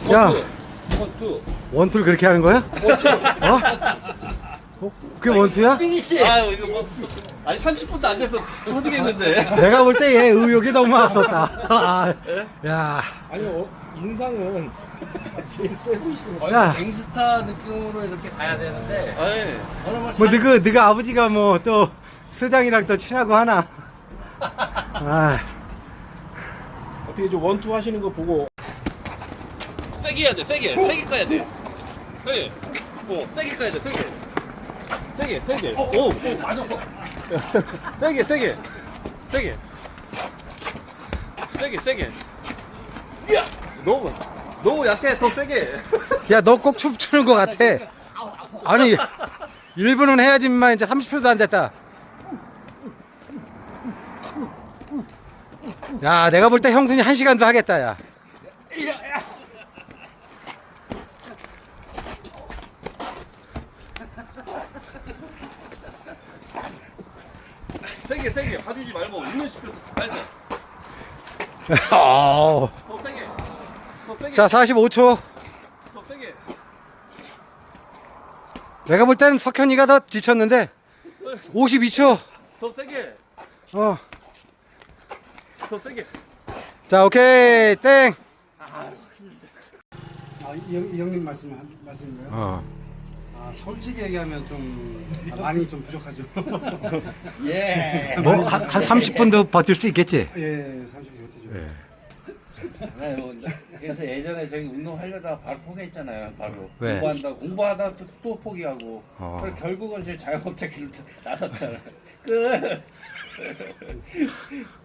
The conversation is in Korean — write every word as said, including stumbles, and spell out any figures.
야, 원투. 원투를 그렇게 하는 거야? 원투. 어? 어? 그게 원투야? 빙이씨. 아유, 이거 뭐. 아니, 삼십 분도 안 돼서 터지겠는데. 내가 볼 때 얘 의욕이 너무 많았었다. 아, 야, 아니 어, 인상은 제일 세 보이시는 거의 야. 갱스타 느낌으로 이렇게 가야 되는데 아니. 저는 뭐, 뭐 사- 너가 너가 아버지가 뭐 또 수장이랑 또 친하고 하나? 아, 어떻게 좀 원투 하시는 거 보고 세게 해야 돼, 세게. 세게 까야 돼. 세게. 어, 세게 까야 돼, 세게. 세게, 세게. 어, 오, 어, 맞았어. 세게, 세게. 세게. 세게, 세게. 너무, 너무 약해, 더 세게. 야, 너 꼭 춤추는 것 같아. 아니, 일 분은 해야지만 이제 삼십 초도 안 됐다. 야, 내가 볼 때 형순이 한 시간도 하겠다, 야. 세게, 세게. 봐주지 말고, 있는 시켜. 나이스. 어. 더 세게. 더 세게. 자, 사십오 초. 더 세게. 내가 볼 땐 석현이가 더 지쳤는데. 오십이 초. 더 세게. 어. 더 세게. 자, 오케이. 땡. 아, 이, 형, 이 형님 말씀 말씀인가요? 어. 아, 솔직히 얘기하면 좀 아, 많이 좀 부족하죠. 예. 뭐, 한, 한 삼십 분도 버틸 수 있겠지? 예, 삼십 분 못해죠. 예. 아유, 그래서 예전에 저기 운동하려다가 바로 포기했잖아요. 바로 왜? 공부한다 공부하다 또, 또 포기하고 어. 그래서 결국은 제 자영업자 길로 나섰잖아요. 끝.